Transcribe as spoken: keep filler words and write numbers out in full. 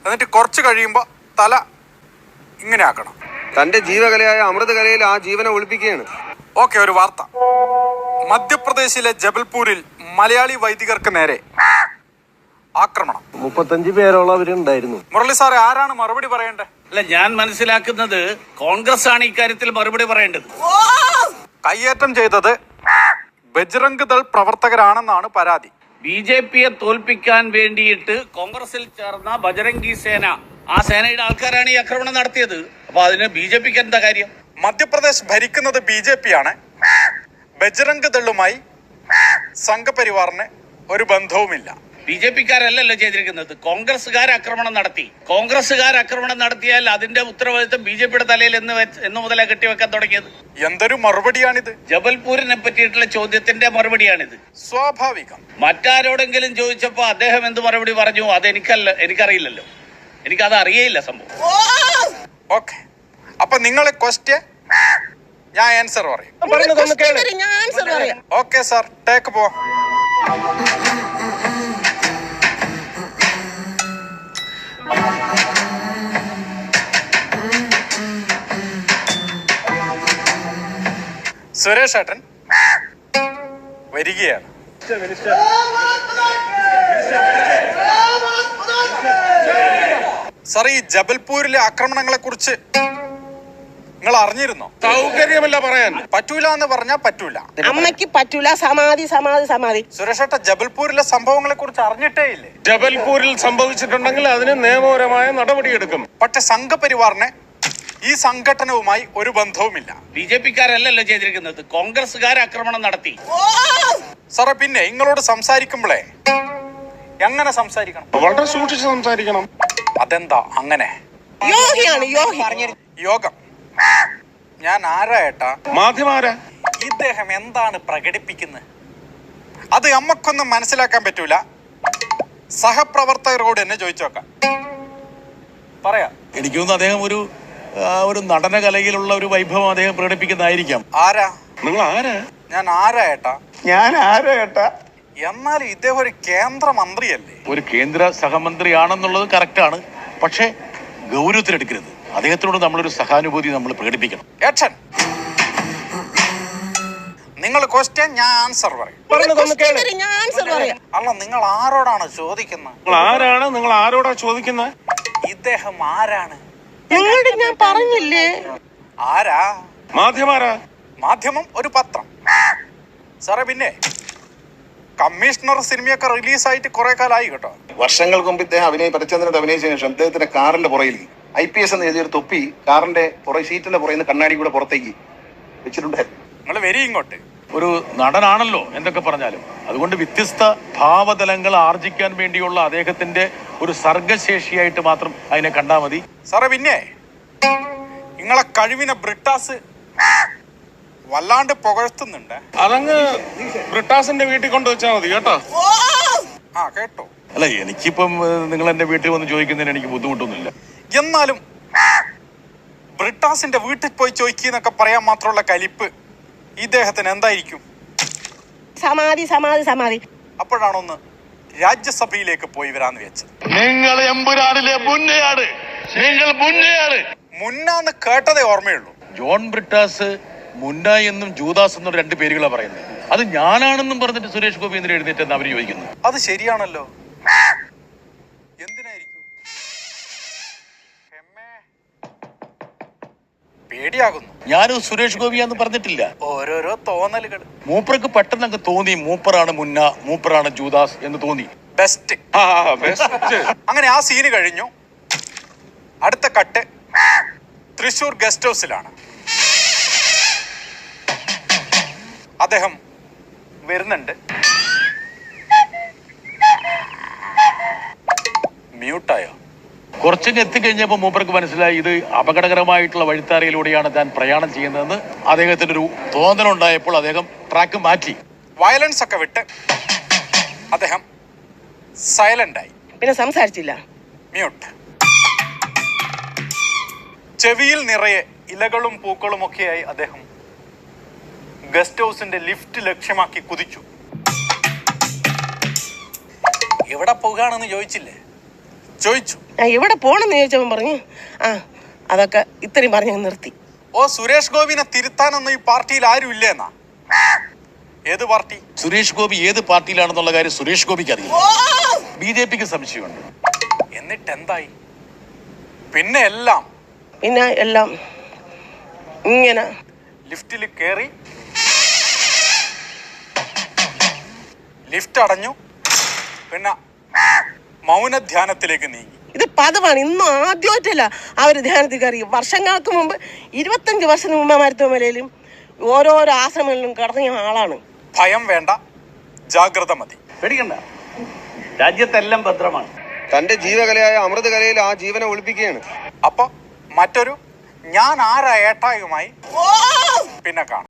എന്നിട്ട് കുറച്ച് കഴിയുമ്പോൾ തല ഇങ്ങനെ ആക്കണം. തന്റെ ജീവകലയായ അമൃതകലയിൽ ആ ജീവനെ ഒളിപ്പിക്കുകയാണ്. ഓക്കെ, ഒരു വാർത്ത. മധ്യപ്രദേശിലെ ജബൽപൂരിൽ മലയാളി വൈദികർക്ക് നേരെ ആക്രമണം. മുപ്പത്തഞ്ച് പേരോളവരുണ്ടായിരുന്നു. മുരളി സാറെ, ആരാണ് മറുപടി പറയേണ്ടത്? അല്ല, ഞാൻ മനസ്സിലാക്കുന്നത് കോൺഗ്രസ് ആണ് ഇക്കാര്യത്തിൽ മറുപടി പറയേണ്ടത്. കയ്യേറ്റം ചെയ്തത് ബജ്റംഗ് ദൾ പ്രവർത്തകരാണെന്നാണ് പരാതി. ബി ജെ പിയെ തോൽപ്പിക്കാൻ വേണ്ടിയിട്ട് കോൺഗ്രസിൽ ചേർന്ന ബജരംഗി സേന, ആ സേനയുടെ ആൾക്കാരാണ് ഈ ആക്രമണം നടത്തിയത്. അപ്പൊ അതിന് ബി ജെ പിക്ക് എന്താ കാര്യം? മധ്യപ്രദേശ് ഭരിക്കുന്നത് ബി ജെ പി ആണ്. ബജ്റംഗ് ദളുമായി സംഘപരിവാറിന് ഒരു ബന്ധവുമില്ല. ബി ജെ പിക്കാരല്ലല്ലോ ചെയ്തിരിക്കുന്നത്, കോൺഗ്രസ്സുകാർ ആക്രമണം നടത്തി. കോൺഗ്രസ്സുകാർ ആക്രമണം നടത്തിയാൽ അതിന്റെ ഉത്തരവാദിത്വം ബി ജെ പിയുടെ തലയിൽ എന്ന് എന്ന് മുതലേ കെട്ടിവെക്കാൻ തുടങ്ങിയത്. എന്തൊരു മറുപടിയാണിത്? ജബൽപൂരിനെ പറ്റിയിട്ടുള്ള ചോദ്യത്തിന്റെ മറുപടിയാണിത്. സ്വാഭാവികം. മറ്റാരോടെങ്കിലും ചോദിച്ചപ്പോ അദ്ദേഹം എന്ത് മറുപടി പറഞ്ഞു അതെനിക്കല്ല, എനിക്കറിയില്ലല്ലോ, എനിക്കത് അറിയേയില്ല സംഭവം. ഓക്കെ, അപ്പൊ നിങ്ങളെ ക്വസ്റ്റ്യൻ ഞാൻ ആൻസർ പറയും. ഓക്കെ സാർ, ടേക്ക് പോ. സുരേഷ് ഏട്ടൻ വരികയാണ്. സാർ, ഈ ജബൽപൂരിലെ ആക്രമണങ്ങളെ കുറിച്ച് നിങ്ങൾ അറിഞ്ഞിരുന്നോ? സൗകര്യമല്ല പറയാൻ. പറ്റൂല എന്ന് പറഞ്ഞാൽ പറ്റൂല. അമ്മയ്ക്ക് പറ്റൂല. സമാധി സമാധി സമാധി. സുരേഷ് ഏട്ടൻ ജബൽപൂരിലെ സംഭവങ്ങളെ കുറിച്ച് അറിഞ്ഞിട്ടേ ഇല്ലേ? ജബൽപൂരിൽ സംഭവിച്ചിട്ടുണ്ടെങ്കിൽ അതിന് നിയമപരമായ നടപടിയെടുക്കും. പക്ഷെ സംഘപരിവാറിന് ഈ സംഘടനവുമായി ഒരു ബന്ധവുമില്ല. ബി ജെ പിക്കാരല്ലല്ലോ ചെയ്തിരിക്കുന്നത്, കോൺഗ്രസ്സുകാർ ആക്രമണം നടത്തി. സാറേ, പിന്നെ നിങ്ങളോട് സംസാരിക്കുമ്പോഴേ എങ്ങനെ സംസാരിക്കണം? വളരെ സൂക്ഷിച്ച് സംസാരിക്കണം. അതെന്താ അങ്ങനെ? യോഗിയാണ് യോഗി. യോഗം. ഞാൻ ആരാ ഏട്ടാ? മാധ്യമാരാ. ഇദ്ദേഹം എന്താണ് പ്രകടിപ്പിക്കുന്നത്? അത് നമ്മക്കൊന്നും മനസ്സിലാക്കാൻ പറ്റൂല. സഹപ്രവർത്തകരോട് എന്നെ ചോദിച്ചു നോക്കാം. പറയാ. എനിക്ക് തോന്നുന്നു അദ്ദേഹം ഒരു ഒരു നടന കലയിലുള്ള ഒരു വൈഭവം അദ്ദേഹം പ്രകടിപ്പിക്കുന്നതായിരിക്കാം. ആരാ നിങ്ങൾ? ആരാ? ഞാൻ ആരാ ഏട്ടാ? ഞാൻ ആരാ ഏട്ടാ? എന്നാലും ഇദ്ദേഹം ഒരു കേന്ദ്ര മന്ത്രിയല്ലേ? ഒരു കേന്ദ്ര സഹമന്ത്രിയാണെന്നുള്ളത് കറക്റ്റാണ്. പക്ഷേ ഗൗരവത്തിലെടുക്കരുത്. അദ്ദേഹത്തിനോട് നമ്മളൊരു സഹാനുഭൂതി നമ്മൾ പ്രകടിപ്പിക്കണം. ഏട്ടൻ, നിങ്ങൾ ക്വസ്റ്റ്യൻ, ഞാൻ ആൻസർ പറയും. അല്ല, നിങ്ങൾ ആരോടാണ് ചോദിക്കുന്നത്? നിങ്ങൾ ആരാണ്? നിങ്ങൾ ആരോടാ ചോദിക്കുന്നത്? ഇദ്ദേഹം ആരാണ്? ഞാൻ പറഞ്ഞില്ലേ ആരാ? മാധ്യമാരാ. മാധ്യമം ഒരു പത്രം. സാറേ, പിന്നെ കമ്മീഷണർ സിനിമയൊക്കെ റിലീസായിട്ട് കുറെ കാലമായി കേട്ടോ. വർഷങ്ങൾക്ക് മുമ്പ് ഇദ്ദേഹം അഭിനയ പരിചന്ദ്രനത്ത് അഭിനയിച്ചതിനു ശേഷം അദ്ദേഹത്തിന്റെ കാറിന്റെ പുറയിൽ ഐ പി എസ് എന്ന് എഴുതിയൊരു തൊപ്പി കാറിന്റെ പുറകെ സീറ്റിന്റെ പുറയിൽ നിന്ന് കണ്ണാടി കൂടെ പുറത്തേക്ക് വെച്ചിട്ടുണ്ടായിരുന്നു. നിങ്ങൾ വരി ഇങ്ങോട്ട്. ഒരു നടനാണല്ലോ എന്തൊക്കെ പറഞ്ഞാലും. അതുകൊണ്ട് വ്യത്യസ്ത ഭാവതലങ്ങൾ ആർജിക്കാൻ വേണ്ടിയുള്ള അദ്ദേഹത്തിന്റെ ഒരു സർഗശേഷിയായിട്ട് മാത്രം അതിനെ കണ്ടാൽ മതി. സാറേ, പിന്നെ നിങ്ങളെ കഴിവിനെ ബ്രിട്ടാസ് വല്ലാണ്ട് പുകഴ്ത്തുന്നുണ്ട്. അതങ്ങ് ബ്രിട്ടാസിന്റെ വീട്ടിൽ കൊണ്ടുവച്ചാൽ മതി കേട്ടോ. ആ, കേട്ടോ. അല്ല, എനിക്കിപ്പം നിങ്ങൾ എന്റെ വീട്ടിൽ വന്ന് ചോദിക്കുന്നതിന് എനിക്ക് ബുദ്ധിമുട്ടൊന്നുമില്ല. എന്നാലും ബ്രിട്ടാസിന്റെ വീട്ടിൽ പോയി ചോദിക്കുന്നൊക്കെ പറയാൻ മാത്രമുള്ള കലിപ്പ് ഇദ്ദേഹത്തിന് എന്തായിരിക്കും? സമാധി സമാധി സമാധി. അപ്പോഴാണൊന്ന് രാജ്യസഭയിലേക്ക് പോയി വരാന്ന് വെച്ചത്. നിങ്ങൾ എമ്പുരാനിലെ മുന്നയാണ്. നിങ്ങൾ മുന്നയാണ്. മുന്നാന്ന് കേട്ടതേ ഓർമ്മയുള്ളൂ. ജോൺ ബ്രിട്ടാസ് മുന്ന എന്നും ജൂദാസ് എന്നും രണ്ട് പേരുകളാണ് പറയുന്നത്. അത് ഞാനാണെന്നും പറഞ്ഞിട്ട് സുരേഷ് ഗോപി എന്തിനാ എഴുന്നേറ്റെന്ന് അവർ ചോദിക്കുന്നു. അത് ശരിയാണല്ലോ. എന്തിനായിരിക്കും? പേടിയാകുന്നു. ഞാനും സുരേഷ് ഗോപിയാന്ന് പറഞ്ഞിട്ടില്ല. ഓരോരോ തോന്നലുകൾ. മൂപ്പർക്ക് പെട്ടെന്ന് അങ്ങ് തോന്നി മൂപ്പറാണ് മുന്ന, മൂപ്പറാണ് ജൂദാസ് എന്ന് തോന്നി. ബെസ്റ്റ്. അങ്ങനെ ആ സീന് കഴിഞ്ഞു. അടുത്ത കട്ട് തൃശൂർ ഗസ്റ്റ് ഹൗസിലാണ്. അദ്ദേഹം വരുന്നുണ്ട്. മ്യൂട്ടായോ? കുറച്ചങ്ങ് എത്തിക്കഴിഞ്ഞപ്പോൾ മൂപ്പർക്ക് മനസ്സിലായി ഇത് അപകടകരമായിട്ടുള്ള വഴിത്താരയിലൂടെയാണ് താൻ പ്രയാണം ചെയ്യുന്നതെന്ന് അദ്ദേഹത്തിന് ഒരു തോന്നലുണ്ടായപ്പോൾ അദ്ദേഹം ട്രാക്ക് മാറ്റി. വയലൻസ് ഒക്കെ വിട്ട് അദ്ദേഹം സൈലന്റ് ആയി. പിന്നെ സംസാരിച്ചില്ല. മ്യൂട്ട്. ചെവിയിൽ നിറയെ ഇലകളും പൂക്കളും ഒക്കെയായി അദ്ദേഹം ഗസ്റ്റ് ഹൗസിന്റെ ലിഫ്റ്റ് ലക്ഷ്യമാക്കി കുതിച്ചു. എവിടെ പോകുകയാണെന്ന് ചോദിച്ചില്ലേ? ചോദിച്ചു. ഞാൻ എവിടെ പോണെന്ന് ചോദിച്ചവൻ പറഞ്ഞു ആ അതൊക്കെ ഇത്രയും പറഞ്ഞ് നിർത്തി. ഓ സുരേഷ് ഗോപിനെ തിരുത്താനൊന്നും ഈ പാർട്ടിയിൽ ആരും ഇല്ലേന്നാ? ഏത് പാർട്ടി? സുരേഷ് ഗോപി ഏത് പാർട്ടിയിലാണെന്നുള്ള കാര്യം സുരേഷ് ഗോപിക്ക് അറിയില്ല. ബി ജെ പിക്ക് സംശയമുണ്ട്. എന്നിട്ട് എന്തായി? പിന്നെ എല്ലാം പിന്നെ എല്ലാം ഇങ്ങനെ ലിഫ്റ്റിൽ കയറി, ലിഫ്റ്റ് അടഞ്ഞു, പിന്നെ മൗനധ്യാനത്തിലേക്ക് നീങ്ങി. ഇത് പതിവാണ്, ഇന്നും ആദ്യമായിട്ടല്ല അവർ ധ്യാനത്തിൽ കയറി. വർഷങ്ങൾക്ക് മുമ്പ് ഇരുപത്തഞ്ച് വർഷത്തിന് മുമ്പ് മരുത്തുമലയിലും ഓരോരോ ആശ്രമങ്ങളിലും കടന്നിയ ആളാണ്. ഭയം വേണ്ട, ജാഗ്രത മതി. പേടിക്കണ്ട, രാജ്യത്തെല്ലാം ഭദ്രമാണ്. തന്റെ ജീവകലയായ അമൃത കലയിൽ ആ ജീവനെ ഒളിപ്പിക്കുകയാണ്. അപ്പൊ മറ്റൊരു ഞാൻ ആരാ ഏട്ടായുമായി പിന്നെ കാണാം.